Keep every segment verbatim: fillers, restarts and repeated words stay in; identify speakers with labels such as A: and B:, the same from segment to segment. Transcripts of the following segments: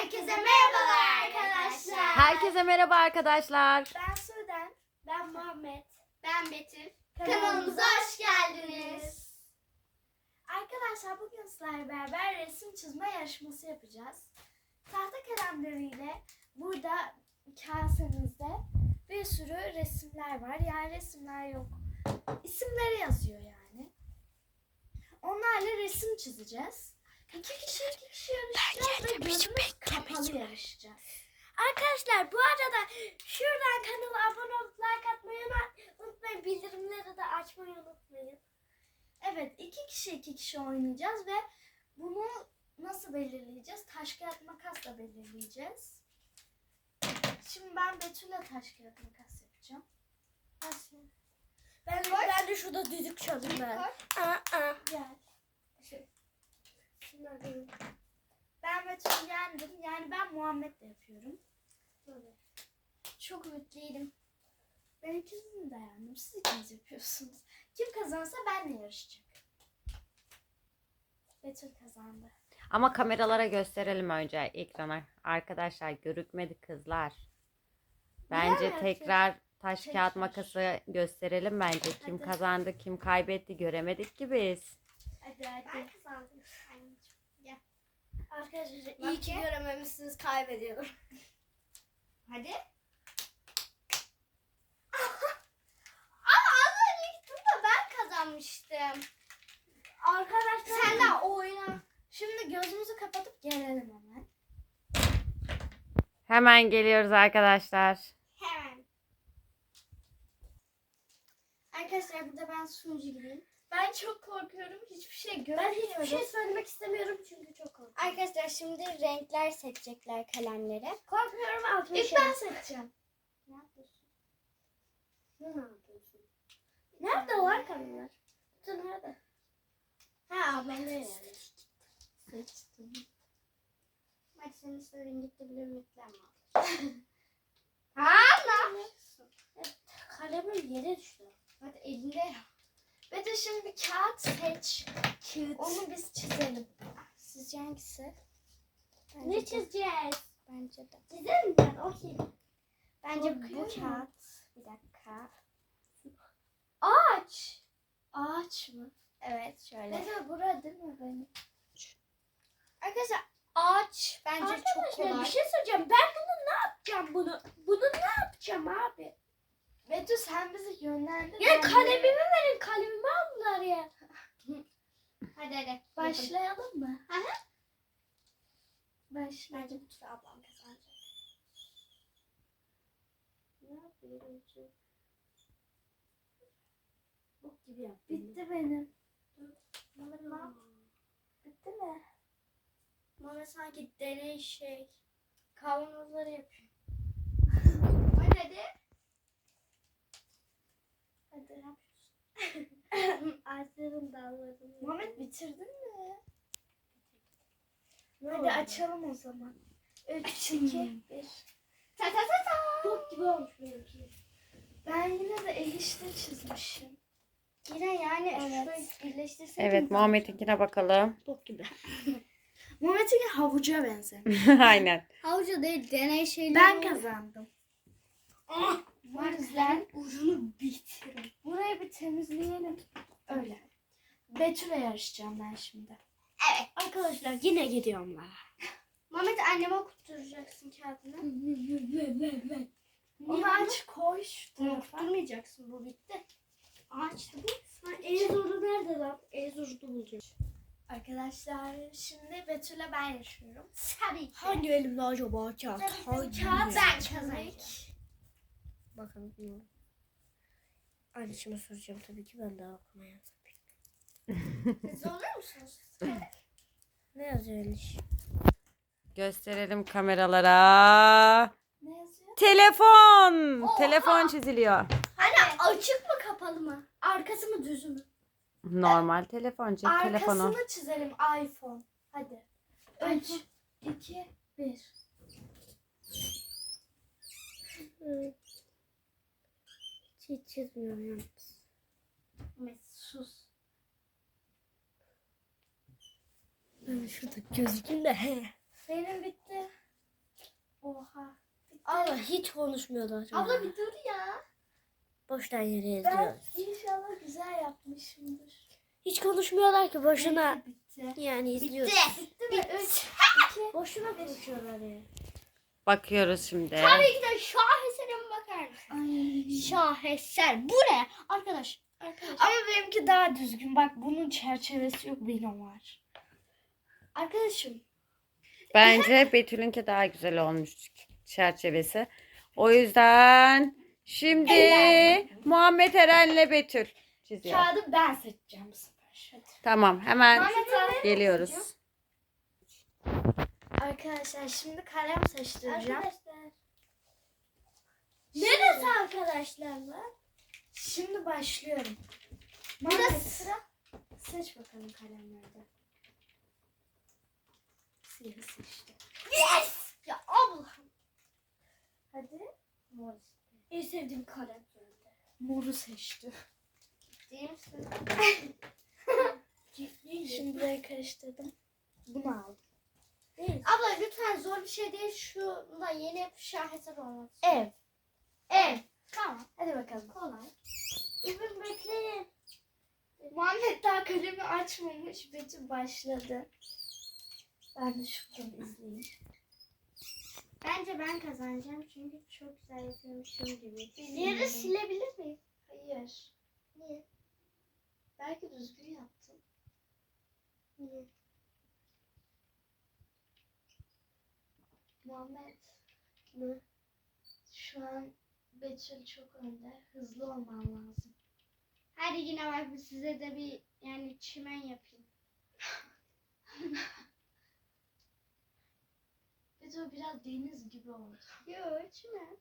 A: Herkese merhabalar arkadaşlar.
B: Herkese merhaba arkadaşlar.
A: Ben Sudan, ben Muhammed, ben Betül. Kanalımıza hoş geldiniz. Arkadaşlar bugün sizlerle beraber resim çizme yarışması yapacağız. Tahta kalemleriyle burada kasemizde bir sürü resimler var. Yani resimler yok. İsimleri yazıyor yani. Onlarla resim çizeceğiz. İki kişi iki kişi yarışacağız ve gözümüz kapalı yarışacağız. Arkadaşlar bu arada şuradan kanala abone olup like atmayı unutmayın. Bildirimleri de açmayı unutmayın. Evet, iki kişi iki kişi oynayacağız ve bunu nasıl belirleyeceğiz? Taş kağıt makasla belirleyeceğiz. Şimdi ben Betül'le taş kağıt makas yapacağım. Nasıl? Ben, ben de şurada düdük çalayım ben. Aa, aa. Gel. Şunları. Ben Betül'ü yendim. Yani ben Muhammed'le yapıyorum. Böyle. Çok ümitliydim. Ben ikisini de yendim. Siz ikiniz yapıyorsunuz. Kim kazansa benle yarışacak. Betül kazandı.
B: Ama kameralara gösterelim önce ekrana. Arkadaşlar görükmedi kızlar. Bence
A: Bilemem.
B: tekrar taş
A: Tekrar.
B: kağıt makası gösterelim bence. Kim
A: Hadi.
B: kazandı, kim kaybetti göremedik ki biz.
A: Hadi hadi. Ben kazandım. Gel. Arkadaşlar iyi ki görememişsiniz, kaybediyorum. Hadi. Ama az önce gittim de ben kazanmıştım. Arkadaşlar sen de oyna. Şimdi gözümüzü kapatıp gelelim hemen.
B: Hemen geliyoruz arkadaşlar.
A: Hemen. Arkadaşlar burada ben sunucu gibiyim. Ben çok korkuyorum. Hiçbir şey göremiyorum. Ben hiçbir şey söylemek istemiyorum çünkü çok korkuyorum. Arkadaşlar şimdi renkler seçecekler kalemlere. Korkmuyorum altmış. İlk ben seçeceğim. Ne yapıyorsun? Ne yapıyorsun? Nerede var kalemler? Kutu nerede? Ha ablamda yani. Seçtim. Bak senin istediğin gitti bile ümitlenme. Ha ne yapıyorsun? Evet, kalemim yere düştü. Hadi elinde ya. Ve de şimdi bir kağıt seç. Kağıt. Onu biz çizelim. Sizce hangisi? Bence ne çizeceğiz? Bence de. Çizelim ben. Okey. Bence bu kağıt. Bir dakika. Ağaç. Ağaç mı? Evet şöyle. Ne burada değil mi benim? Arkadaşlar ağaç bence arkadaşlar, çok kolay. Bir şey söyleyeceğim. Ben bunu ne yapacağım bunu? Bunu ne yapacağım abi? Betül sen bizi yönlendir. Ya kalemimi de... verin. Kalemimi aldılar ya. Hadi hadi. Başlayalım mı? Hı hı. Başlayalım. Bence bu tutu ablam kazanacak. Ne yapıyorum ki? Bok gibi yaptım. Bitti benim. Mama. Bitti mi? Mama sanki deney şey. Kavanozları yapıyor. Hadi hadi. Hadi yapıyorsun. Ağaçların dallarını. Muhammed bitirdin mi? Ne hadi oldu? Açalım o zaman. üç, iki, bir. Ta ta ta ta. Bok gibi olmuş benimki. Ben yine de el işte çizmişim. Yine yani evet. Şurayı birleştirseydim.
B: Evet Muhammed'inkine bakalım.
A: Bok gibi. Muhammed'inki havuca benzemiş.
B: Aynen.
A: Havuca değil deney şeyleri. Ben kazandım. Oh, o yüzden ucunu bitirin. Burayı bir temizleyelim. Öyle. Betül'le yarışacağım ben şimdi. Evet. Arkadaşlar yine gidiyorum ben. Mehmet anneme okutturacaksın kağıdını. Onu aç koy şu tarafa. Okutturmayacaksın, bu bitti. Ağaçtı bu. En zoru nerede lan? En zoru da bulacağım. Arkadaşlar şimdi Betül'le ben yaşıyorum. Tabii ki.
C: Hangi elimde acaba kağıt?
A: Hangi kağıt ben kazanacağım.
C: Bakalım. Anneciğime soracağım tabii ki, ben daha okumaya
A: Siz olur musunuz?
C: Ne yazıyor Eliş?
B: Gösterelim kameralara.
A: Ne yazıyor?
B: Telefon.
A: Oha!
B: Telefon çiziliyor.
A: Anne açık mı kapalı mı? Arkası mı düz mü?
B: Normal telefon, cep
A: Arkasını
B: telefonu.
A: çizelim iPhone. Hadi. üç, iki, bir.
C: Hiç çizmiyorum yalnız.
A: Mesut sus.
C: Ben şurada gözüküm de he.
A: Benim bitti.
C: Valla hiç konuşmuyorlar.
A: Abla bir dur ya.
C: Boştan yere
A: Ben
C: yazıyoruz.
A: inşallah güzel yapmışımdır.
C: Hiç konuşmuyorlar ki boşuna.
A: Bitti.
C: Yani izliyoruz.
A: Bitti mi? Üç, iki.
C: Boşuna konuşuyorlar ya.
B: Bakıyoruz şimdi.
A: Tabii ki de şaheserime bakar mısın?
C: Ay.
A: Şaheser. Bu ne? Arkadaş. Arkadaş.
C: Ama benimki daha düzgün. Bak bunun çerçevesi yok, benim var.
A: Arkadaşım.
B: Bence Betül'ünki daha güzel olmuş çerçevesi. O yüzden şimdi Muhammed Eren'le Betül çiziyor.
A: Kağıdı ben seçeceğim bu sefer. Hadi.
B: Tamam, hemen
A: Muhammed Eren
B: geliyoruz.
A: Arkadaşlar şimdi kalem seçtireceğim.
C: Arkadaşlar.
A: Neresi arkadaşlar var? Şimdi başlıyorum. Burası sıra. Seç bakalım kalemlerde. Siyahı seçtim. Yes! Ya Allah'ım. Hadi. Mor.
C: En sevdiğim kalem.
A: Moru seçtim.
C: Değil misin?
A: Şimdi böyle karıştırdım. Bunu aldım.
C: Değil.
A: Abla lütfen zor bir şey değil. Şuna yeni şaheser olmak.
C: Ev.
A: Ev. Tamam. Hadi bakalım.
C: Kolay.
A: İbim bekleyin. Muhammed daha kalemi açmamış. Betül başladı. Ben de şuradan izleyeyim. Bence ben kazanacağım çünkü çok güzel yapıyormuşum gibi. Yeri silebilir miyim? Hayır. Niye? Belki düzgün yaptım. Niye? Muhammed. Ne? Şu an Betül çok önde. Hızlı olman lazım. Hadi yine bak size de bir yani çimen yapayım. Betül biraz deniz gibi oldu. Yok çimen.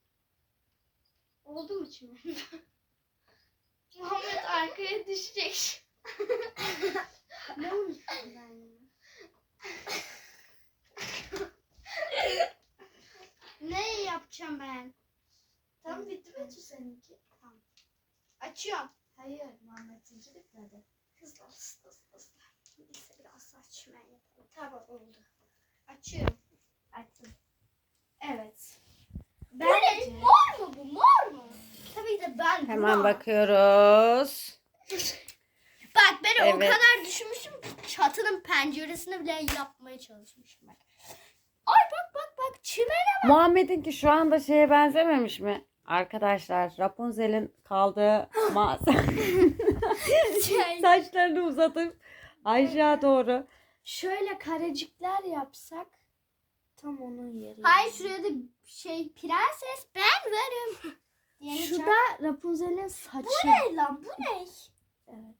A: Oldu mu çimen? Muhammed arkaya düşecek. Ne unuttum ben ya? Ne yapacağım ben? Tam bitti Betül seninki. Tamam. Açıyorum. Hayır, Muhammed'inki bitmedi. Hızlı hızlı hızlı hızlı. Neyse biraz daha çimen yapalım. Tamam oldu. Açıyorum. Açtım. Evet. Ben bu ne? Mor mu bu? Mor mu? Tabii de ben
B: Hemen
A: buna-
B: bakıyoruz.
A: Bak ben o
B: Evet.
A: kadar düşünmüşüm. Çatının penceresini bile yapmaya çalışmışım bak. Ay bak bak bak çimene
B: Muhammed'inki şu anda şeye benzememiş mi? Arkadaşlar Rapunzel'in kaldığı mağaza.
A: şey.
B: Saçlarını uzatıp aşağı doğru.
A: Şöyle karecikler yapsak
C: Tam onun yeri.
A: Hayır şuraya da şey prenses ben varım.
C: Şu da Rapunzel'in saçı.
A: Bu ne lan bu ne?
C: Evet.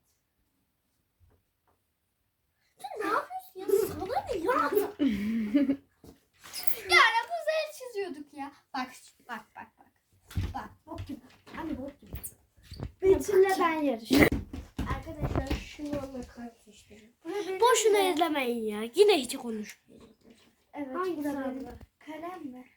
A: Sen ne yapıyorsun ya? Sana ne ya? Ya Rapunzel çiziyorduk ya. Bak bak bak bak. Bak bok gibi. Hani bok gibi.
C: Betül'le ben yarışıyorum.
A: Arkadaşlar şunu onunla karıştırın.
C: Boşuna izlemeyin ya. Yine hiç konuşmayacağız.
A: Evet.
C: Hangisi
A: bu da benim.
C: abla?
A: Kalem mi?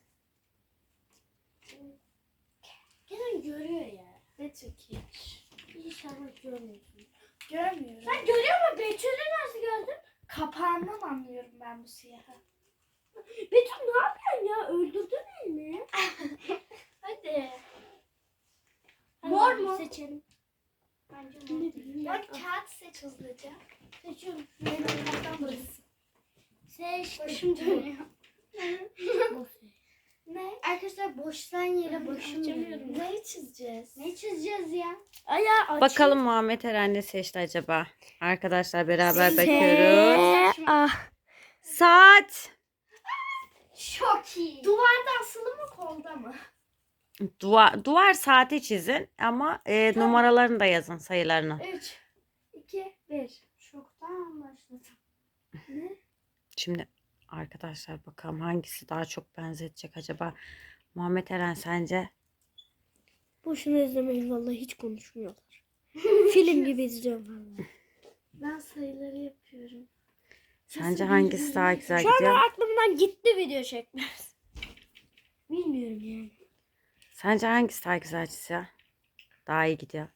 C: Gene görüyor ya.
A: Betül ki.
C: İnşallah görmüyorsun.
A: Görmüyorum.
C: Sen görüyor musun? Betül'ü nasıl gördün?
A: Kapağından anlıyorum ben bu siyahı.
C: Betül ne yapıyorsun ya? Öldürdün elini.
A: Hadi.
C: Hadi
A: Mor
C: hadi
A: mu?
C: Seçelim.
A: Bence
C: Ne
A: mor.
C: bileyim
A: Bak
C: ben.
A: kağıt seç hızlıca.
C: Seçiyorum.
A: Benim kapağım burası.
C: Seçtim.
A: Başım dönüyor.
C: Boş.
A: Ne? Arkadaşlar boştan yere başım
C: açamıyorum.
A: dönüyor. Neyi çizeceğiz? Ne çizeceğiz ya?
C: Aya aç.
B: Bakalım Muhammed Eren ne seçti acaba? Arkadaşlar beraber
A: Se-
B: bakıyoruz.
C: Ah.
B: Saat.
A: Çok iyi. Duvarda asılı mı kolda mı?
B: Duvar, duvar saati çizin ama e,
A: Tamam.
B: numaralarını da yazın, sayılarını.
A: üç, iki, bir. Çoktan başladım. Ne?
B: Şimdi arkadaşlar bakalım hangisi daha çok benzetecek acaba? Muhammed Eren sence?
C: Boşuna izlemeyin vallahi hiç konuşmuyorlar. Film gibi izliyorum vallahi.
A: Ben sayıları yapıyorum.
B: Sence hangisi daha güzel
C: Şu an
B: gidiyor?
C: aklımdan gitti video çekmez. Bilmiyorum yani.
B: Sence hangisi daha güzel çiziyor? Daha iyi gidiyor.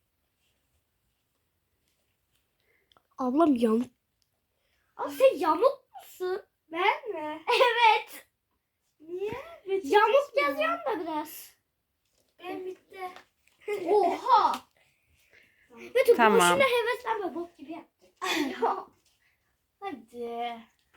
C: Ablam yamuk. Abi sen yamuk musun?
A: Ben mi? Evet. Niye?
C: Yamuk yazıyorum da biraz.
A: Benim bitti. Oha.
C: Betül
B: Tamam.
C: boşuna heveslenme, bok gibi yaptın.
A: Hadi.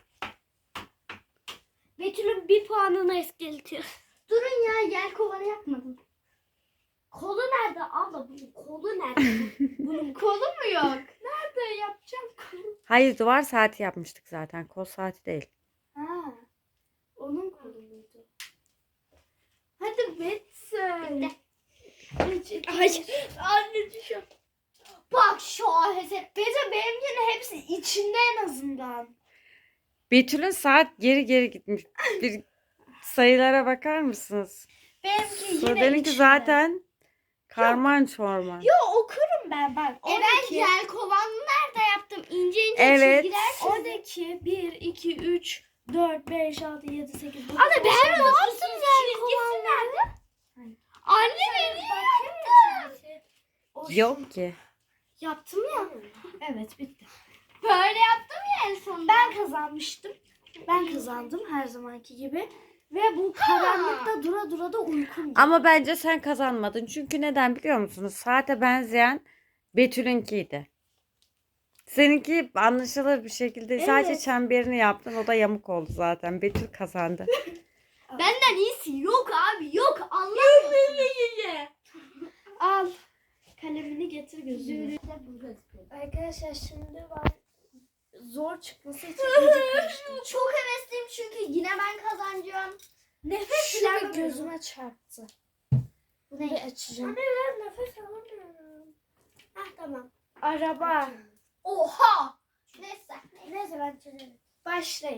C: Betül'ün bir puanını eskeletiyor.
A: Durun ya, yer kovanı yapmadım.
C: Kolu nerede abla? Bunun kolu nerede?
A: Bunun kolu mu yok? Nerede yapacağım kolu?
B: Hayır, duvar saati yapmıştık zaten. Kol saati değil.
A: Ha. Onun kolu muydu? Hadi bitsin.
C: Bitti. Hayır. Anne düşüyor.
A: Bak şu aheser. Bence benimkinin hepsi içinde en azından.
B: Betül'ün saat geri geri gitmiş. Bir sayılara bakar mısınız?
A: Benimki yine
B: Sude'ninki
A: içinde.
B: zaten karman çorman.
A: Yo, okurum ben bak. E ben yer kovanını nerede yaptım? İnce ince
B: Evet.
A: çizgiler çizdim.
C: Oradaki bir, iki, üç, dört, beş, altı, yedi, sekiz, dokuz,
A: Anne ben
C: on,
A: ne
C: on,
A: yaptım yer kovanını? Nerede? Anne ben niye yaptım?
B: Yok ki.
C: Yaptım ya. Evet, bitti.
A: Böyle yaptım ya en sonunda.
C: Ben kazanmıştım. Ben kazandım her zamanki gibi. Ve bu karanlıkta dura dura da uykum geldi.
B: Ama bence sen kazanmadın. Çünkü neden biliyor musunuz? Saate benzeyen Betül'ünkiydi. Seninki anlaşılır bir şekilde sadece
C: Evet.
B: çemberini yaptın. O da yamuk oldu zaten. Betül kazandı.
A: Benden iyisi yok abi, yok, anlamıyorsun.
C: Al. Kalemini getir gözüme.
A: Çok
C: Arkadaşlar şimdi ben zor çıkması için iyice karıştım.
A: hevesliyim çünkü yine ben kazanacağım.
C: Nefes bile gözüme çarptı.
A: Bu
C: Bir
A: ne?
C: açacağım.
A: Anne ben nefes alamıyorum.
C: Heh, tamam. Araba.
A: Oha! Neyse.
C: Neyse ben çözerim. Başlayın.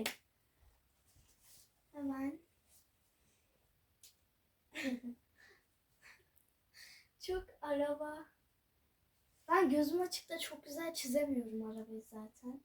C: Hemen. Çok araba. Ben gözüm açık da çok güzel çizemiyorum arabayı zaten.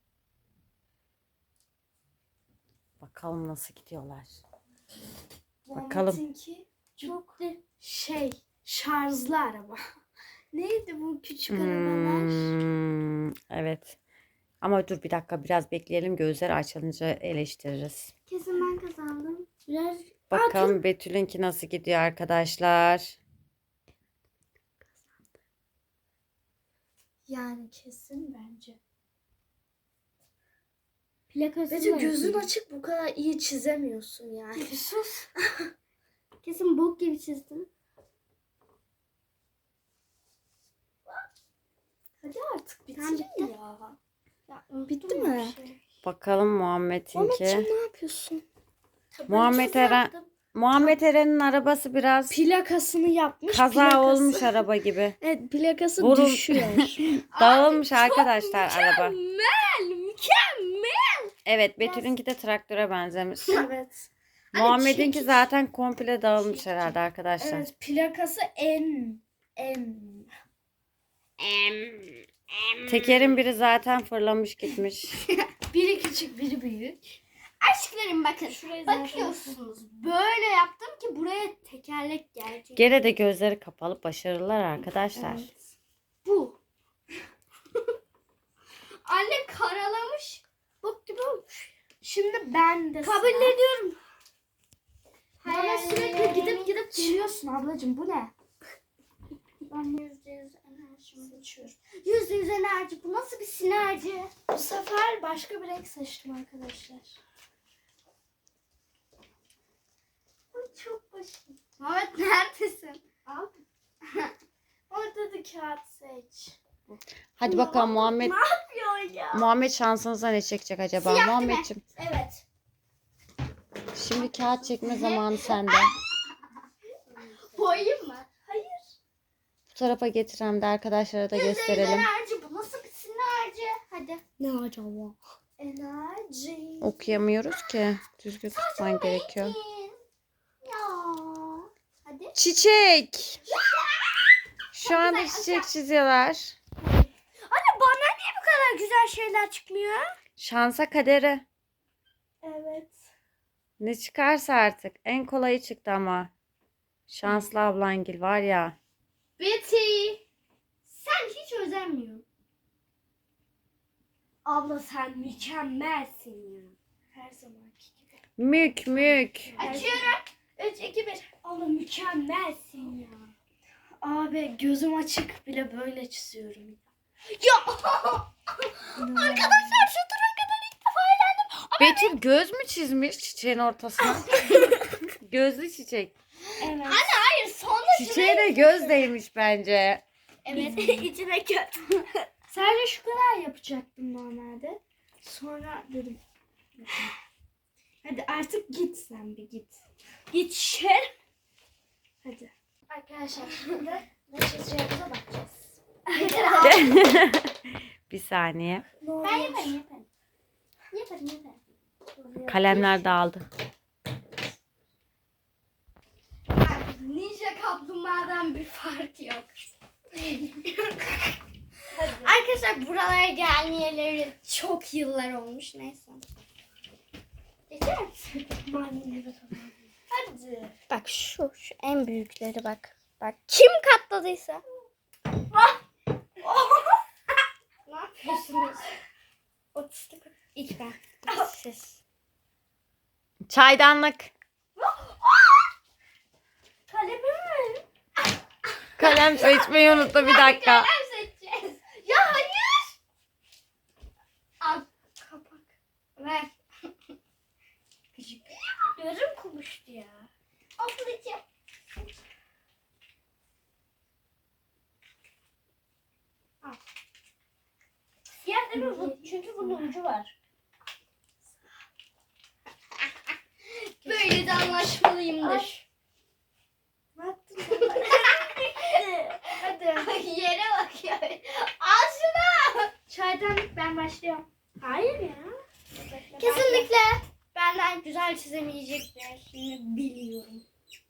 B: Bakalım nasıl gidiyorlar. Bakalım.
C: Muhammed'inki çok şey, şarjlı araba. Neydi bu küçük arabalar?
B: Hmm, evet. Ama dur bir dakika, biraz bekleyelim. Gözleri açılınca eleştiririz.
C: Kesin ben kazandım. Biraz
B: Bakalım Betül'ünki nasıl gidiyor arkadaşlar.
C: yani kesin bence.
A: Plakası
C: Bence gözün açık bu kadar iyi çizemiyorsun yani.
A: Sus. Kesin bok gibi çizdim.
C: Hadi artık bitir
A: Tamam, bitti.
C: ya. Ya
A: Bitti
C: unuttum
A: mi?
C: bir şey.
B: Bakalım
C: Muhammedciğim
B: Muhammed'inki.
C: ne yapıyorsun?
B: Muhammed
C: Çok
B: Eren,
C: yaptım.
B: Muhammed Eren'in arabası biraz
C: Plakasını yapmış.
B: kaza
C: plakası-
B: olmuş araba gibi.
C: Evet, plakası
B: Vurul-
C: düşüyor.
B: Dağılmış arkadaşlar araba.
A: Mükemmel, mükemmel.
B: Evet, Betül'ünki de traktöre benzemiş.
C: Evet.
B: Muhammed'inki
C: çekiç.
B: zaten komple dağılmış herhalde arkadaşlar.
C: Evet, plakası en en.
B: Tekerin biri zaten fırlamış gitmiş.
C: Biri küçük, biri büyük.
A: Aşklarım bakın.
C: Şurayı zaten-
A: Bakıyorsunuz. Böyle yaptım ki buraya tekerlek gelecek.
B: Gene de gözleri kapalı, başarılar arkadaşlar.
C: Evet.
A: Bu. Anne karalamış. Bok gibi olmuş.
C: Şimdi ben de
A: Kabul
C: sıra.
A: ediyorum.
C: Bana
A: Hayır.
C: sürekli gidip gidip geliyorsun ablacığım, bu ne?
A: Ben yüzde yüz enerjimi seçiyorum. Yüzde yüz enerji. Bu nasıl bir sinerji?
C: Bu sefer başka bir renk seçtim arkadaşlar.
A: Çok başım. Mehmet neredesin?
C: Al. Orada da kağıt seç.
B: Hadi bakalım Muhammed.
A: Yapıyor ya.
B: Muhammed şansınıza ne çekecek acaba?
A: Siyah değil mi?
B: Muhammedciğim,
A: Evet.
B: şimdi kağıt çekme zamanı sende.
A: Boyayım mı?
C: Hayır.
B: Bu tarafa getir, hem de arkadaşlara da
A: Yüzde yüz
B: gösterelim.
A: enerji. Bu nasıl bir sinerji? Hadi.
C: Ne acaba?
A: Enerji.
B: Okuyamıyoruz ki. Düzgün tutman gerekiyor.
A: Ekin. Ya. Hadi.
B: Çiçek. Şu anda çiçek çiziyorlar.
A: Anne bana niye bu kadar güzel şeyler çıkmıyor?
B: Şansa kadere.
C: Evet.
B: Ne çıkarsa artık. En kolayı çıktı ama. Şanslı ablangil var ya.
A: Betty. Sen hiç özenmiyorsun.
C: Abla sen mükemmelsin ya. Her zamanki gibi.
B: Mük mük.
A: Açıyorum. üç, iki, bir.
C: Allah mükemmelsin ya. Abi gözüm açık bile böyle çiziyorum.
A: Ya arkadaşlar şu tura kadar ilk defa eğlendim.
B: Betül göz mü çizmiş çiçeğin ortasına? Gözlü çiçek.
C: Evet.
A: Anne hayır sonda
B: Çiçeğe de göz değmiş bence.
A: Evet içine kötü.
C: Sadece şu kadar yapacaktım normalde. Sonra dedim. Hadi artık git sen bir git.
A: Git şer.
C: Hadi.
A: Arkadaşlar şimdi ne çizeceğimize bakacağız.
B: Bir saniye.
A: Ben yaparım yaparım. Yaparım yaparım.
B: Kalemler dağıldı.
A: Ninja kaplumbağadan bir fark yok. Arkadaşlar buralara gelmeyeleri çok yıllar olmuş. Neyse. Geçer misin? Hadi. Bak şu, şu en büyükleri bak. Bak kim katladıysa. Ne yapıyorsunuz? Otistik. İlk ben. Siz.
B: Çaydanlık.
A: Kalemi mi?
B: Kalem seçmeyi unuttu bir dakika.
A: Kalem seçeceğiz. Ya hayır. Al kapak. Ver. Küçük. Gözüm kumuştu ya. Ablacığım. Al. Siyah değil mi bu? Çünkü bunun ucu var. Böyle de anlaşmalıyımdır.
C: Ne yaptın?
A: Hadi. Yere bak ya. Al şunu.
C: Çaydanlık ben başlıyorum. Hayır ya.
A: Kesinlikle benden güzel çizemeyecekler. Şimdi biliyorum.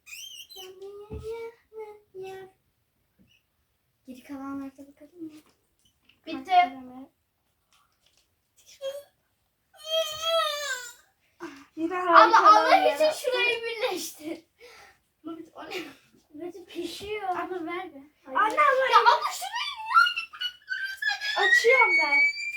A: Geri kalanlarda bakalım mı? Bitti.
C: Yine
A: Ama
C: harikalar
A: Allah için
C: ya.
A: şurayı birleştir. O ne?
C: Böyle pişiyor. Abla ver be.
A: Anne abla. Ya abla şurayı
C: Açıyorum ben.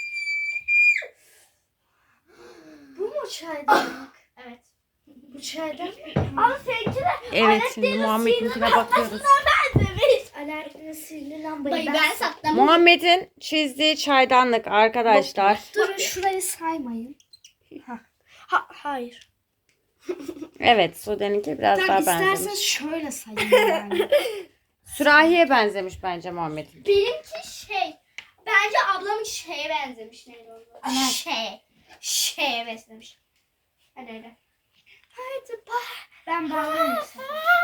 C: Bu mu çaydanlık?
A: Evet.
C: Bu çaydanlık.
A: Ama seninki de
B: Evet şimdi Muhammed'inkine bakıyoruz.
A: benzemiş.
C: Alaaddin'in sihirli lambayı
A: Dayı
C: ben,
A: ben saklamışım.
B: Muhammed'in çizdiği çaydanlık arkadaşlar.
C: Durun şurayı saymayın. Ha. Ha hayır.
B: Evet Sude'ninki biraz
C: Sen
B: daha
C: isterseniz
B: benzemiş.
C: şöyle sayın yani.
B: Sürahiye benzemiş bence Muhammed'in.
A: Benimki şey. Bence ablamın şeye benzemiş. Neydi onun adı?
C: Evet.
A: Şey. Şeye benzemiş. Hadi hadi. Hadi bak.
C: Ben bağlayayım sana.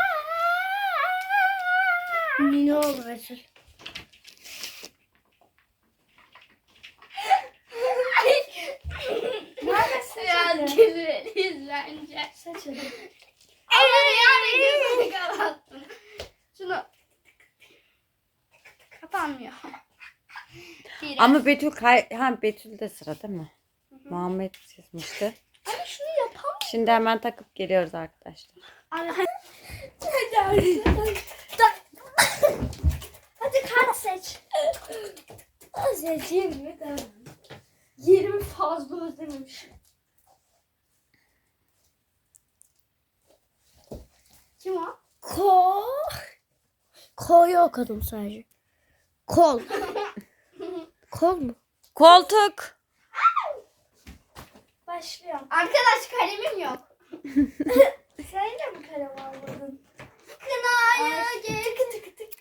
C: Ne oldu Resul?
A: Neredesin? Ya güleriz bence.
C: Saç hadi.
A: Ama yani gözünü kapattın. Şunu. Kapanmıyor. Bir.
B: Ama Betül kay ha Betül de sıra değil mi? Muhammed çizmişti.
A: Anne şunu yapalım.
B: Şimdi hemen takıp geliyoruz arkadaşlar.
C: Hadi hadi. Hadi kart seç.
A: Seçeyim mi? Tamam. Yerimi fazla özlememişim. Kim o?
C: Ko. Ko'yu okudum sadece. Kol. Kol mu?
B: Koltuk.
C: Başlıyorum.
A: Arkadaş kalemim yok.
C: Sen de mi kalem almadın?
A: Kınaya gel.
C: Tık tık tık.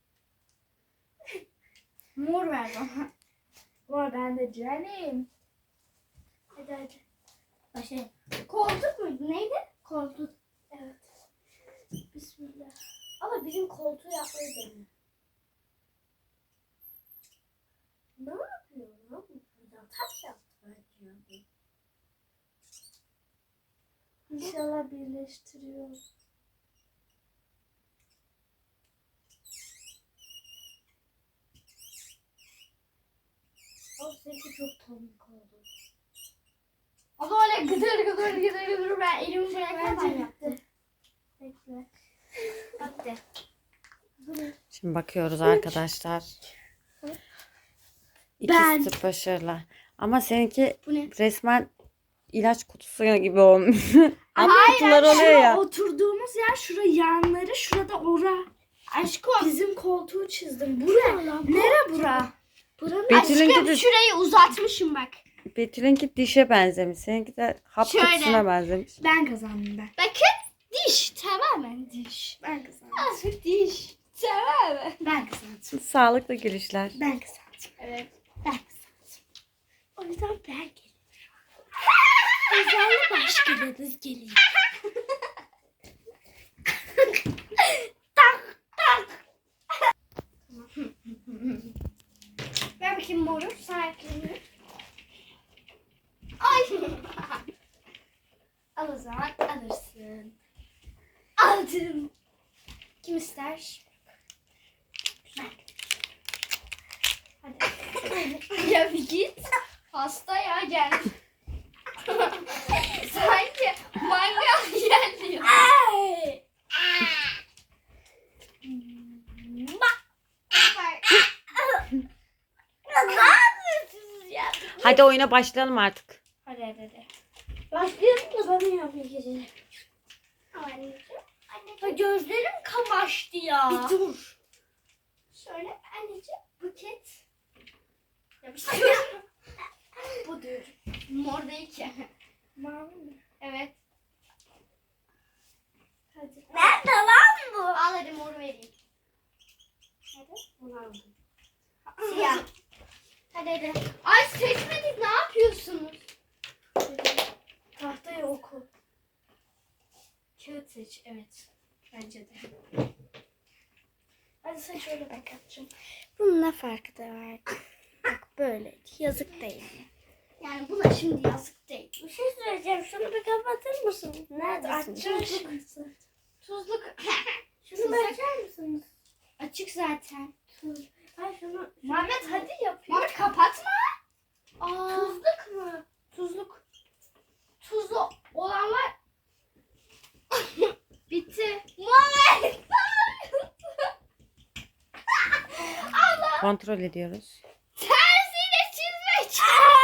C: Mor ver bana. Mor bende canım. Hadi hadi.
A: Başlayalım. Koltuk muydu? Neydi?
C: Koltuk. Evet. Bismillah. Ama bizim koltuğu yapmayı deniyor. Ne yapıyor lan? Buradan taş yaptı bence. İnşallah birleştiriyor. O seninki çok tomik oldu.
A: Ama öyle gıdır gıdır gıdır gıdır ben elimi bırakmadan
C: Bence
A: yaptım.
C: bitti. Bekle.
A: Hadi.
B: Şimdi bakıyoruz arkadaşlar.
C: Ben-
B: İkisi başarılı. Ama seninki
A: Bu ne?
B: resmen ilaç kutusu gibi olmuş. Ama
C: Hayır,
B: kutular oluyor
C: şura
B: ya.
C: oturduğumuz yer, şura yanları, şurada ora.
A: Aşkım.
C: Bizim koltuğu çizdim. Bura. Nere bura? Buranın
B: Betül'ünki
A: Aşkım
B: de,
A: şurayı uzatmışım bak.
B: Betül'ünki dişe benzemiş. Seninki de hap
A: Şöyle.
B: kutusuna benzemiş.
C: ben kazandım ben.
A: Bakın diş tamamen diş.
C: Ben kazandım.
A: Azıcık diş. Tamamen.
C: Ben kazandım.
B: Sağlıklı gülüşler.
C: Ben kazandım.
A: Evet.
C: Ben kazandım. O yüzden ben geliyorum. Özellikle başkalarınız geliyor. tak tak.
A: Ver bakayım moru. Sakinliği. Ay. Al o zaman alırsın. Aldım. Kim ister? Hadi. Ya bir git. Hasta ya gel. Sanki mangal geldi.
C: Ay.
A: Bak. Ne yapıyorsunuz ya?
B: Hadi oyuna başlayalım artık.
A: Hadi hadi hadi.
C: Başlayalım da ben yapayım geceleri.
A: Anneciğim. Anne, gözlerim kamaştı ya.
C: Bir dur.
A: Şöyle anneciğim buket. Yapıştır. Bu diyorum. Mor değil ki.
C: Mavi mi?
A: Evet.
C: Hadi.
A: Nerede lan bu? Al hadi mor vereyim. Hadi.
C: Bunu aldım.
A: Siyah. Hadi hadi. Ay seçmedik, ne yapıyorsunuz?
C: Tahtayı oku.
A: Kağıt seç, evet. Bence de.
C: Hadi sen şöyle bak yapacağım. Bunun ne farkı da var? Bak böyle. Yazık değil.
A: Yani buna şimdi yazık değil.
C: Bir şey söyleyeceğim. Şunu bir kapatır mısın?
A: Neredesin?
C: Açacağım.
A: Tuzluk. Tuzluk.
C: Şunu bir açar mısınız?
A: Açık zaten.
C: Tuz. Ay şunu.
A: Muhammed hadi yapıyor. Muhammed kapatma. Aa. Tuzluk mu?
C: Tuzluk.
A: Tuzlu olanlar bitti. Muhammed. Allah.
B: Kontrol ediyoruz.
A: Tersiyle çizmek.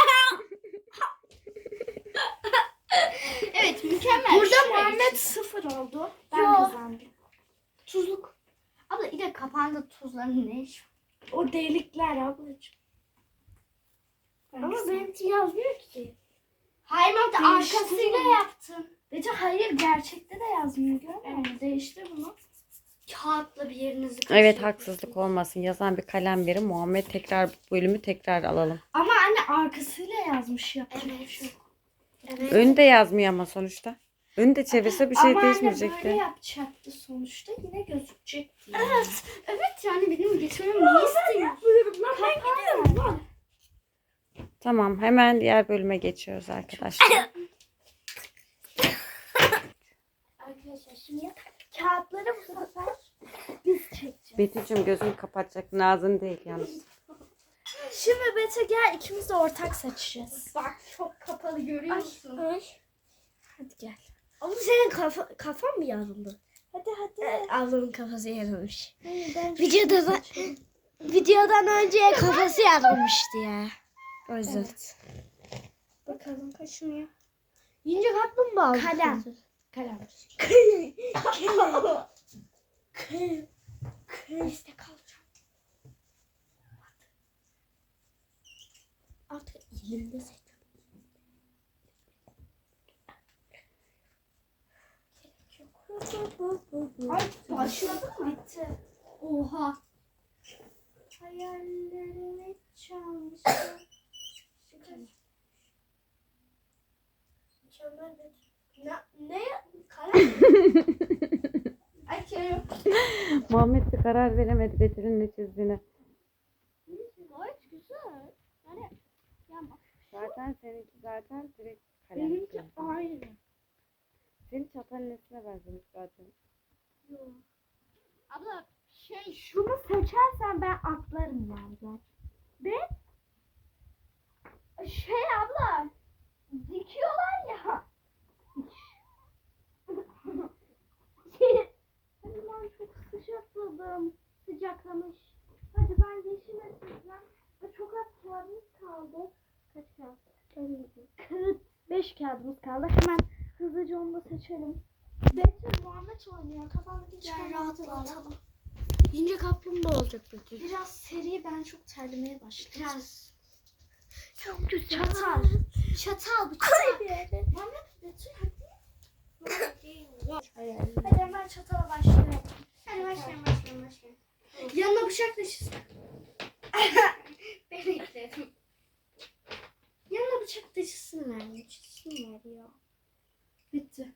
A: Evet mükemmel.
C: Burada
A: Şuraya
C: Muhammed
A: geçin.
C: sıfır oldu. Ben
A: Yo.
C: kazandım.
A: Tuzluk. Abla yine kapağında tuzların ne iş?
C: O delikler ablacığım. Ama benimki yazmıyor ki.
A: Hayır Muhammed
C: Değişti
A: arkasıyla
C: mi?
A: yaptın.
C: Bece hayır gerçekte de yazmıyor görmüyor musun?
A: Evet.
C: Değiştir bunu.
A: Kağıtla bir yerinizi
B: Evet,
A: kaşıyın.
B: haksızlık olmasın. Yazan bir kalem verin. Muhammed tekrar bu bölümü tekrar alalım.
C: Ama anne arkasıyla yazmış yapacak bir
A: Evet.
C: şey yok.
A: Evet.
B: Önü de yazmıyor ama sonuçta. Önü de çevirse bir şey
C: Ama anne böyle
B: değişmeyecekti.
C: yapacaktı sonuçta yine gözükecekti. yani.
A: Evet. Evet yani benim geçmemi niye istiyorsun?
C: Buyurun lan ben gidiyorum lan.
B: Tamam, hemen diğer bölüme geçiyoruz arkadaşlar.
C: Arkadaşlar şimdi kağıtları bu sefer biz çekeceğiz.
B: Betül'cüm gözünü kapatacaksın. Ağzını değil yalnız.
C: Şimdi Bete gel ikimiz de ortak seçeceğiz.
A: Bak çok kapalı görüyor musun?
C: Ay. Hadi gel. Ama senin kafa, kafan mı yarıldı? Hadi hadi. Ee, ablamın kafası yarılmış. Videoda videodan önce kafası yarılmıştı ya. O yüzden. Evet. Bakalım kaşınıyor. Yiyince kaplumbağa mı? Kalem. Kalem. Kalem. Kalem. İşte kalacağım. Artık elimde seçiyorum.
A: Ay başladı mı? Bitti. Oha.
C: Hayallerimi çalmış. Mükemmel bir... Ne? Ne? Kalem.
A: Açıyorum.
B: Muhammed de karar veremedi Betül'ün ne çizdiğine.
A: Gayet güzel. Yani ya bak.
B: Zaten seninki zaten direkt kalem.
C: Benimki aynı.
B: Senin çatal nesine benzemiş zaten.
A: Abla şey
C: Şunu seçersen ben atlarım yani.
A: ben şey abla dikiyorlar ya.
C: Hadi ben çok sıcakladım. Sıcaklamış. Hadi ben yeşile çizeceğim. Ve çok az kağıdımız kaldı. Kaç kağıt? Kağıt. Beş kağıdımız kaldı. Hemen Hızlıca onu da seçelim.
A: Betül Muhammed oynuyor. Kafandaki
C: Gel
A: çıkan
C: rahatlatalım. İnce kaplumbağa olacak Betül.
A: Biraz seri, ben çok terlemeye başladım.
C: Biraz. Çok güzel.
A: Çatal. Çatal bu çatal. Muhammed, Betül hadi. Hadi hemen çatala başlayalım.
C: Hadi başlayalım başlayalım başlayalım.
A: Yanına bıçak taşısın. Ben ekledim. Yanına bıçak taşısın vermiş. Çizsinler ya. Bitti.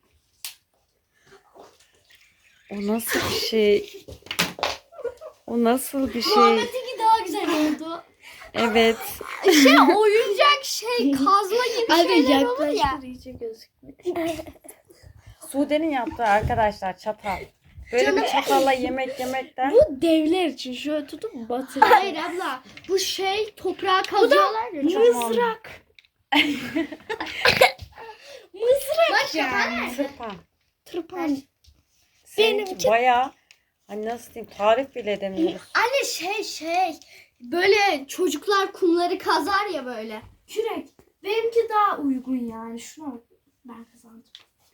B: O nasıl bir şey? O nasıl bir şey?
A: Muhammed'inki daha güzel oldu.
B: Evet.
A: Şey oyuncak şey kazma gibi şeyler olur ya.
C: iyice gözükmüyor.
B: Sude'nin yaptığı arkadaşlar çatal. Böyle bir çatalla yemek yemekten.
C: Bu devler için şöyle tutup batırıyor.
A: Hayır abla, bu şey toprağa kazıyorlar ya.
C: Mızrak. Mızrak
A: Bak
C: yani.
B: Tırpan.
C: Tırpan.
B: Seninki
C: Benimki-
B: bayağı, hani nasıl diyeyim, tarif bile edemiyoruz.
A: Anne şey şey böyle çocuklar kumları kazar ya böyle.
C: Kürek. Benimki daha uygun yani. Şunu ben kazandım.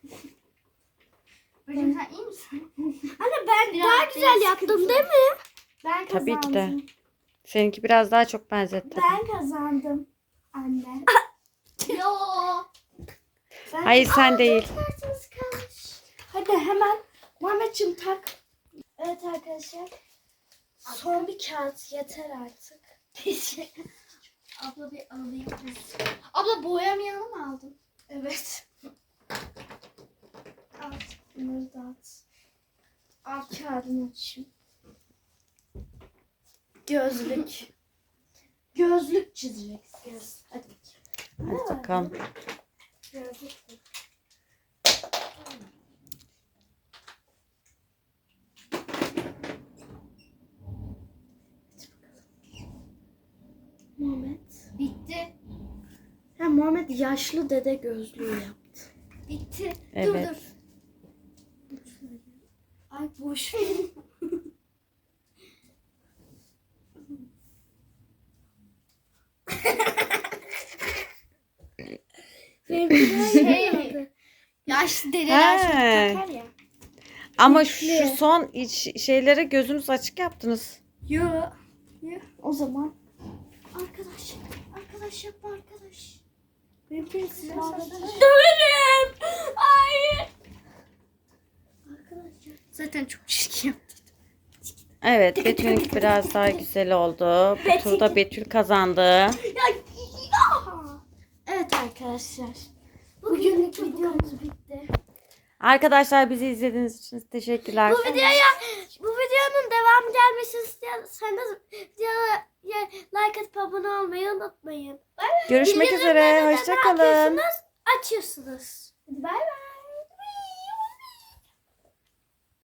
A: Bacım sen iyi misin?
C: Anne ben
A: Biraz
C: daha güzel
A: değil,
C: yaptım
A: sıkıntı.
C: değil mi?
A: Ben
B: Tabii ki de.
A: kazandım.
B: Seninki biraz daha çok benzetti.
C: Ben kazandım. Anne.
A: Yo.
C: Ben...
B: Hayır sen değil.
A: Kartımız kalmış.
C: Hadi hemen Muhammedciğim tak. Evet arkadaşlar. Son bir kağıt yeter artık.
A: Abla bir alayım. Abla boyamayalım mı aldın?
C: Evet. Al. Bunları dağıt. Al kağıdını açayım. Gözlük. Gözlük çizeceksiniz. Hadi.
B: Hadi bakalım.
C: Gözlük. Muhammed.
A: Bitti.
C: Ha, Muhammed yaşlı dede gözlüğü yaptı.
A: Bitti.
B: Evet.
A: Dur dur.
C: Ay boş. Benimki
A: Şey, yaşlı dedeler çok
B: He.
A: takar ya.
B: Ama şu son iç şeylere gözünüz açık yaptınız.
A: Yo.
C: O zaman
A: Arkadaş. Arkadaş yapma arkadaş.
C: benimki size
A: Döverim. Hayır.
C: Arkadaşlar.
A: Zaten çok çirkin yaptı.
B: Evet, Betül'ünki biraz daha güzel oldu. Bu turda Betül kazandı.
C: Evet arkadaşlar. Bugünlük videomuz bitti.
B: Arkadaşlar bizi izlediğiniz için teşekkürler.
C: Bu videoya bu videonun devamı gelmesini istiyorsanız videoya like atıp abone olmayı unutmayın.
B: Görüşmek üzere.
C: Bildirimleri de ne
B: Hoşça kalın.
C: yapıyorsunuz? Açıyorsunuz. Hadi bay bay.